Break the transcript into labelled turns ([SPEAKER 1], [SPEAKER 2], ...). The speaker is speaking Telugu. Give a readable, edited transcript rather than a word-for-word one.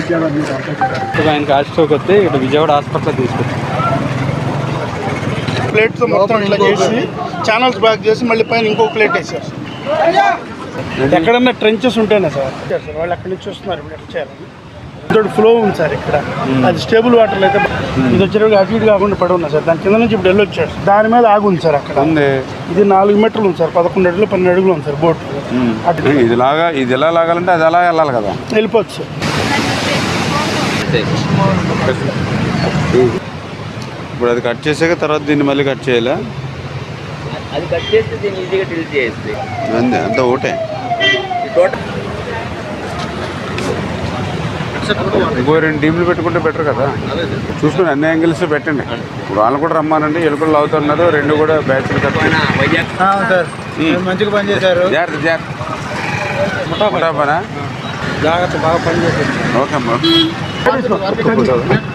[SPEAKER 1] ఆయనకి హార్ట్ స్ట్రోక్ వస్తే ఇటు విజయవాడ హాస్పిటల్ తీసుకొచ్చాం.
[SPEAKER 2] ప్లేట్తో మొత్తం ఇట్లా చేసి ఛానల్స్ బ్యాక్ చేసి మళ్ళీ పైన ఇంకో ప్లేట్ వేసారు. ఎక్కడన్నా ట్రెంచెస్ ఉంటేనే సార్ వాళ్ళు అక్కడి నుంచి వస్తున్నారు ఇప్పుడు ఎట్లా చేయాలని. ఇంకోటి ఫ్లో ఉంది సార్ ఇక్కడ, అది స్టేబుల్ వాటర్లో అయితే ఇది వచ్చేటప్పుడు అటు ఇటు కాకుండా పడి ఉన్నా సార్. దాని కింద నుంచి ఇప్పుడు వెళ్ళొచ్చాడు, దాని మీద ఆగి ఉంది సార్ అక్కడ. ఇది 4 మీటర్లు ఉంది సార్, 11 అడుగులు 12 అడుగులు ఉంది సార్ బోట్.
[SPEAKER 1] ఇది ఎలా లాగాలంటే అది ఎలా వెళ్ళాలి కదా,
[SPEAKER 2] వెళ్ళిపోవచ్చు సార్.
[SPEAKER 1] ఇప్పుడు అది కట్ చేసాక తర్వాత దీన్ని మళ్ళీ కట్ చేయాలా?
[SPEAKER 3] అది కట్ చేస్తే దీన్ని ఈజీగా డిలీట్ చేయొచ్చు.
[SPEAKER 1] అంతా ఒకటే. ఇంకో 2 టీంలు పెట్టుకుంటే బెటర్ కదా. చూసుకుని అన్ని యాంగిల్స్ పెట్టండి. వాళ్ళు కూడా రమ్మానండి, ఎలుకలు అవుతున్నారు. 2 కూడా బ్యాచ్లు కట్టారు
[SPEAKER 2] సార్, మంచిగా పని చేశారు.
[SPEAKER 1] జాగ్రత్త ముఠాపనా
[SPEAKER 2] జాగ్రత్త బాగా పని చేశారు.
[SPEAKER 1] ఓకే అమ్మా.